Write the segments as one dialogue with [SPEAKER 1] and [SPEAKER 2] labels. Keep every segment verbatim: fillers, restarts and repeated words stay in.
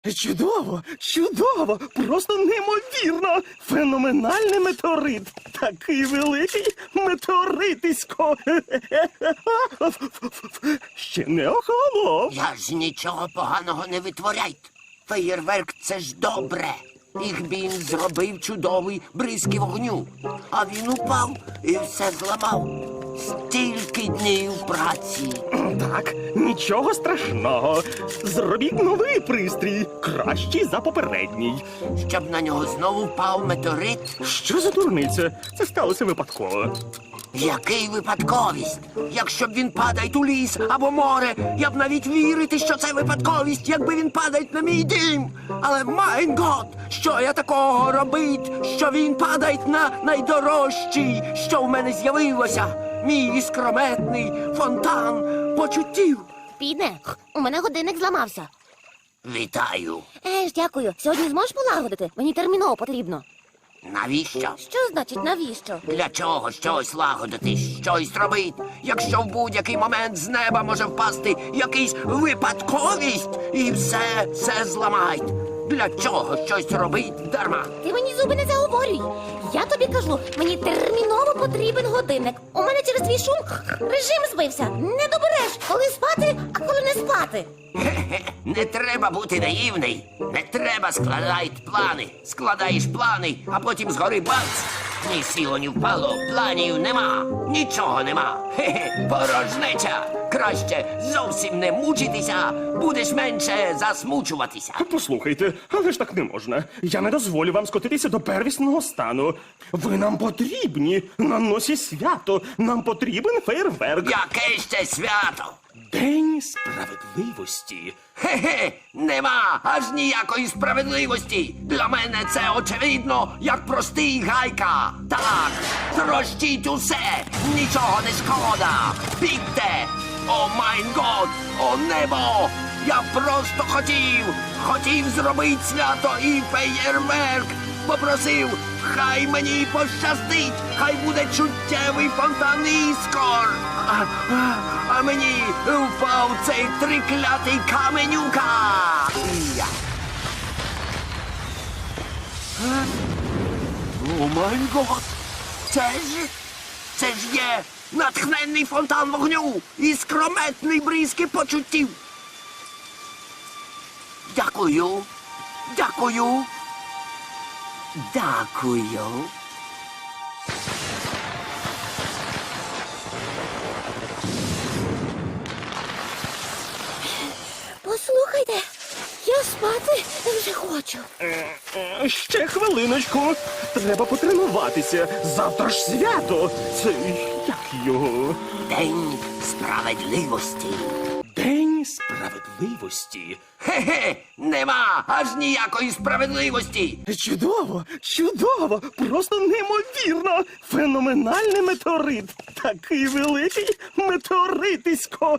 [SPEAKER 1] Чудово, чудово, просто неймовірно. Феноменальний метеорит. Такий великий метеоритисько. Ще не охолонув.
[SPEAKER 2] Я ж нічого поганого не витворяйте. Феєрверк – це ж добре. Їх він зробив чудовий бризки вогню. А він упав і все зламав. Стільки днів праці.
[SPEAKER 1] Так, нічого страшного. Зробіть новий пристрій, кращий за попередній.
[SPEAKER 2] Щоб на нього знову впав метеорит.
[SPEAKER 1] Що за дурниця? Це сталося випадково.
[SPEAKER 2] Який випадковість? Якщо б він падає у ліс або море, я б навіть вірити, що це випадковість, якби він падає на мій дім. Але, майн гот, що я такого робить, що він падає на найдорожчий, що в мене з'явилося? Мій іскрометний фонтан почуттів.
[SPEAKER 3] Піде, у мене годинник зламався.
[SPEAKER 2] Вітаю.
[SPEAKER 3] Е ж, дякую. Сьогодні зможеш полагодити? Мені терміново потрібно.
[SPEAKER 2] Навіщо?
[SPEAKER 3] Що значить навіщо?
[SPEAKER 2] Для чого щось лагодити, щось робити, якщо в будь-який момент з неба може впасти якийсь випадковість і все, все зламають? Для чого щось робить дарма?
[SPEAKER 3] Ти мені зуби не заговорюй. Я тобі кажу, мені терміново потрібен годинник. У мене через твій шум режим збився. Не добереш, коли спати, а коли не спати.
[SPEAKER 2] Хе-хе, не треба бути наївний. Не треба складати плани. Складаєш плани, а потім згори бац. Ні сіло, ні впало, планів нема. Нічого нема. Хе-хе, порожнеча. Краще зовсім не мучитися, будеш менше засмучуватися.
[SPEAKER 1] Послухайте, але ж так не можна. Я не дозволю вам скотитися до первісного стану. Ви нам потрібні. На носі свято. Нам потрібен фейерверк.
[SPEAKER 2] Яке ще свято?
[SPEAKER 1] День справедливості.
[SPEAKER 2] Хе-хе, нема аж ніякої справедливості. Для мене це очевидно, як простий гайка. Так, трощіть усе, нічого не шкода. Бігте! О майн год, о небо! Я просто хотів, хотів зробити свято і феєрверк. Попросив, хай мені пощастить, хай буде чуттєвий фонтан іскор. А, а, а мені впав цей триклятий каменюка. Я. Е? О май гот! Це ж, це ж є натхненний фонтан вогню і скрометний бризки почуттів. Дякую, дякую, дякую.
[SPEAKER 3] Послухайте, я спати вже хочу.
[SPEAKER 1] Е, Ще хвилиночку. Треба потренуватися. Завтра ж свято. Це як його?
[SPEAKER 2] День справедливості.
[SPEAKER 1] День справедливості.
[SPEAKER 2] Хе-хе, нема аж ніякої справедливості.
[SPEAKER 1] Чудово, чудово, просто неймовірно. Феноменальний метеорит. Такий великий метеоритисько.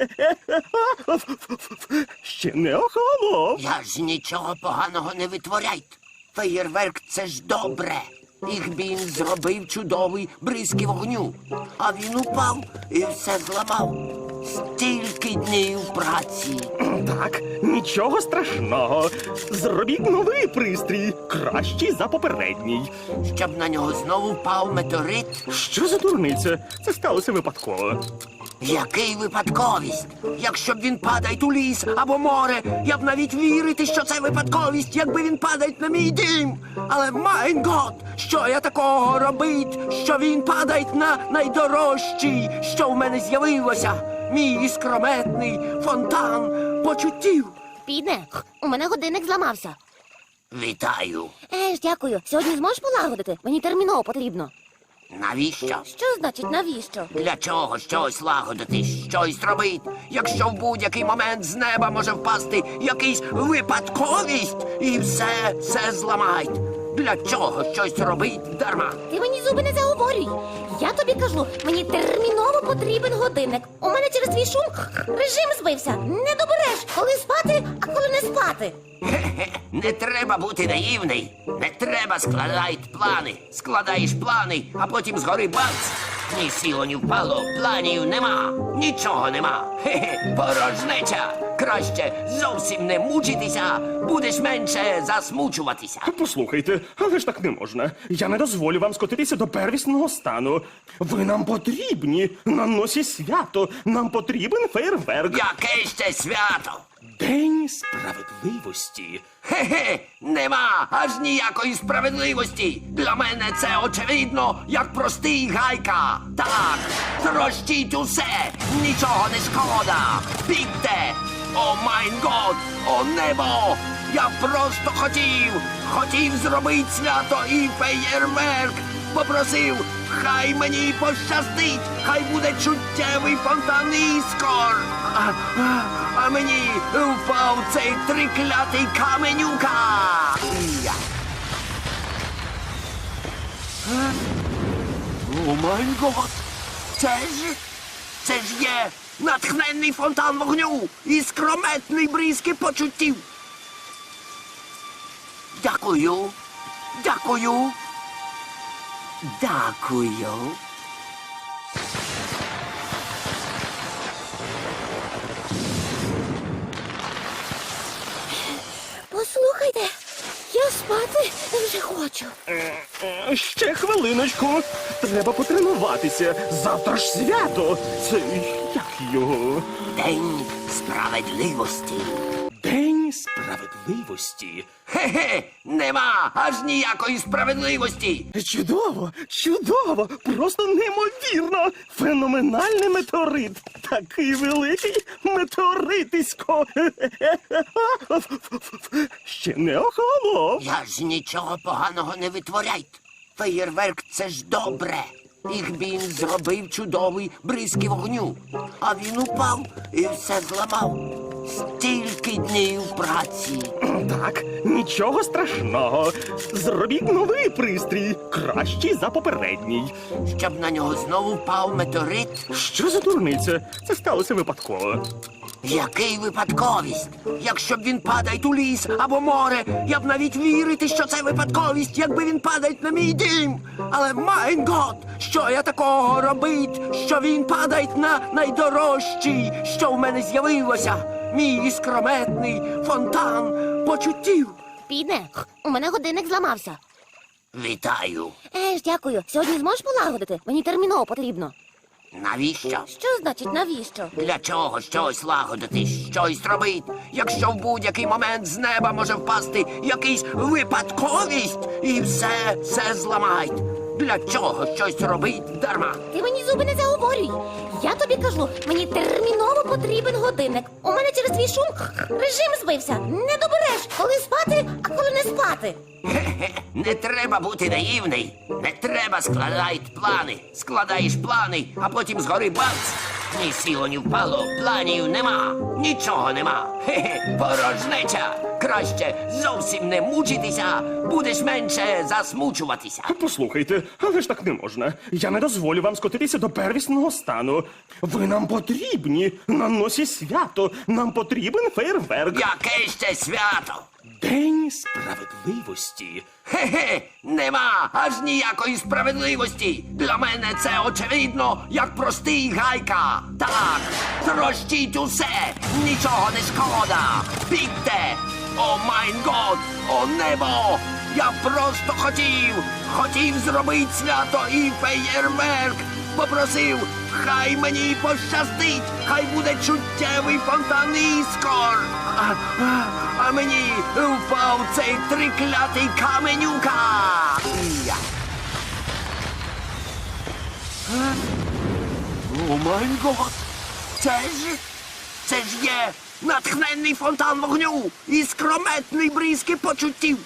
[SPEAKER 1] Ще не охолонув.
[SPEAKER 2] Я ж нічого поганого не витворяйте. Феєрверк – це ж добре. Їх він зробив чудовий бризки вогню. А він упав і все зламав. Стільки днів праці.
[SPEAKER 1] Так, нічого страшного. Зробіть новий пристрій, кращий за попередній.
[SPEAKER 2] Щоб на нього знову впав метеорит.
[SPEAKER 1] Що за дурниця? Це сталося випадково.
[SPEAKER 2] Який випадковість? Якщо б він падає у ліс або море, я б навіть вірити, що це випадковість, якби він падає на мій дім. Але, майн гот, що я такого робить, що він падає на найдорожчий, що в мене з'явилося? Мій іскрометний фонтан почуттів.
[SPEAKER 3] Піде, у мене годинник зламався.
[SPEAKER 2] Вітаю.
[SPEAKER 3] Е ж, дякую. Сьогодні зможеш полагодити? Мені терміново потрібно.
[SPEAKER 2] Навіщо?
[SPEAKER 3] Що значить навіщо?
[SPEAKER 2] Для чого щось лагодити, щось робити, якщо в будь-який момент з неба може впасти якийсь випадковість і все, все зламають? Для чого щось робить дарма?
[SPEAKER 3] Ти мені зуби не заговорюй. Я тобі кажу, мені терміново потрібен годинник. У мене через твій шум режим збився. Не добереш, коли спати, а коли не спати.
[SPEAKER 2] Хе-хе, не треба бути наївний. Не треба складати плани. Складаєш плани, а потім згори бац. Ні сіло, ні впало, планів нема, нічого нема. Хе-хе, порожнеча. Краще зовсім не мучитися, будеш менше засмучуватися.
[SPEAKER 1] Послухайте, але ж так не можна. Я не дозволю вам скотитися до первісного стану. Ви нам потрібні на носі свято. Нам потрібен фейерверк.
[SPEAKER 2] Яке ще свято?
[SPEAKER 1] День справедливості.
[SPEAKER 2] Хе-хе, нема аж ніякої справедливості. Для мене це очевидно, як простий гайка. Так, трощіть усе, нічого не шкода. Бігте! О майн год, о небо! Я просто хотів, хотів зробити свято і феєрверк. Попросив, хай мені пощастить, хай буде чуттєвий фонтан іскор. А, а, а мені впав цей триклятий каменюка. Я. Е? О май гот! Це ж, це ж є натхненний фонтан вогню і скрометний бризки почуттів. Дякую, дякую. Дякую.
[SPEAKER 3] Послухайте, я спати вже хочу.
[SPEAKER 1] Е, Ще хвилиночку. Треба потренуватися. Завтра ж свято. Це як його?
[SPEAKER 2] День справедливості.
[SPEAKER 1] День справедливості.
[SPEAKER 2] Хе-хе, нема аж ніякої справедливості.
[SPEAKER 1] Чудово, чудово, просто неймовірно. Феноменальний метеорит. Такий великий метеоритисько. Ще не охолонув.
[SPEAKER 2] Я ж нічого поганого не витворяйте. Феєрверк — це ж добре. Їх він зробив чудовий бризки вогню. А він упав і все зламав. Стільки днів праці.
[SPEAKER 1] Так, нічого страшного. Зробіть новий пристрій, кращий за попередній.
[SPEAKER 2] Щоб на нього знову впав метеорит.
[SPEAKER 1] Що за дурниця? Це сталося випадково.
[SPEAKER 2] Який випадковість? Якщо б він падає у ліс або море, я б навіть вірити, що це випадковість, якби він падає на мій дім. Але майн гот, що я такого робить, що він падає на найдорожчий, що в мене з'явилося, мій іскрометний фонтан почуттів.
[SPEAKER 3] Піде, у мене годинник зламався.
[SPEAKER 2] Вітаю.
[SPEAKER 3] Еж, дякую. Сьогодні зможеш полагодити? Мені терміново потрібно.
[SPEAKER 2] Навіщо?
[SPEAKER 3] Що значить навіщо?
[SPEAKER 2] Для чого щось лагодити, щось робити, якщо в будь-який момент з неба може впасти якийсь випадковість і все, все зламають. Для чого щось робить дарма?
[SPEAKER 3] Ти мені зуби не заговорюй. Я тобі кажу, мені терміново потрібен годинник. У мене через твій шум режим збився. Не добереш, коли спати, а коли не спати.
[SPEAKER 2] Хе-хе, не треба бути наївний. Не треба складати плани. Складаєш плани, а потім згори бац. Ні сіло, ні впало, планів нема, нічого нема. Хе-хе, порожнеча. Краще зовсім не мучитися, будеш менше засмучуватися.
[SPEAKER 1] Послухайте, але ж так не можна. Я не дозволю вам скотитися до первісного стану. Ви нам потрібні на носі свято. Нам потрібен фейерверк.
[SPEAKER 2] Яке ще свято?
[SPEAKER 1] День справедливості.
[SPEAKER 2] Хе-хе, нема аж ніякої справедливості. Для мене це очевидно, як простий гайка. Так, трощіть усе, нічого не шкода. Бігте! О майн год, о небо! Я просто хотів, хотів зробити свято і феєрверк. Попросив, хай мені пощастить, хай буде чуттєвий фонтан іскор. А, а, а мені впав цей триклятий каменюка. Я. Е? О май гот! Це ж, це ж є натхненний фонтан вогню і скрометний бризки почуттів.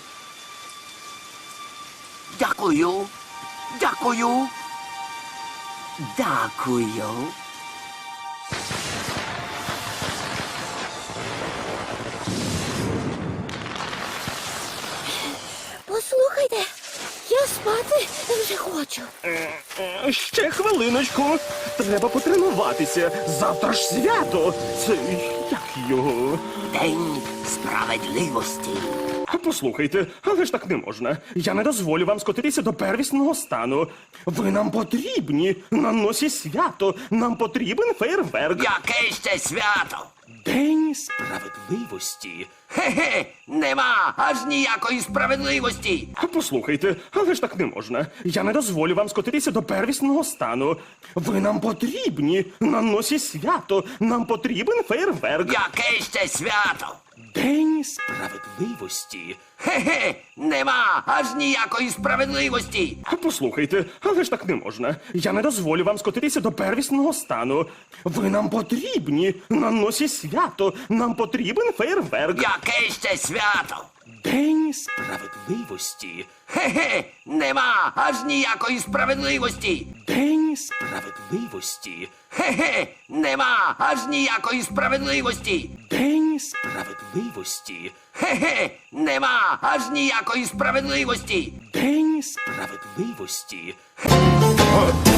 [SPEAKER 2] Дякую, дякую. Дякую.
[SPEAKER 3] Послухайте, я спати вже хочу.
[SPEAKER 1] Е, е, Ще хвилиночку. Треба потренуватися. Завтра ж свято. Це як його?
[SPEAKER 2] День справедливості.
[SPEAKER 1] Послухайте, але ж так не можна. Я не дозволю вам скотитися до первісного стану. Ви нам потрібні на носі свято. Нам потрібен фейерверк.
[SPEAKER 2] Яке ще свято?
[SPEAKER 1] День справедливості.
[SPEAKER 2] Хе-хе, нема аж ніякої справедливості.
[SPEAKER 1] Послухайте, але ж так не можна. Я не дозволю вам скотитися до первісного стану. Ви нам потрібні на носі свято. Нам потрібен фейерверк.
[SPEAKER 2] Яке ще свято?
[SPEAKER 1] День справедливості.
[SPEAKER 2] Хе-хе, нема аж ніякої справедливості.
[SPEAKER 1] Послухайте, але ж так не можна. Я не дозволю вам скотитися до первісного стану. Ви нам потрібні на носі свято. Нам потрібен фейерверк.
[SPEAKER 2] Яке ще свято?
[SPEAKER 1] День справедливості.
[SPEAKER 2] Хе-хе, нема аж ніякої справедливості.
[SPEAKER 1] День справедливості.
[SPEAKER 2] Хе-хе, нема аж ніякої справедливості.
[SPEAKER 1] День справедливості.
[SPEAKER 2] Хе-хе, нема аж ніякої справедливості.
[SPEAKER 1] День справедливості.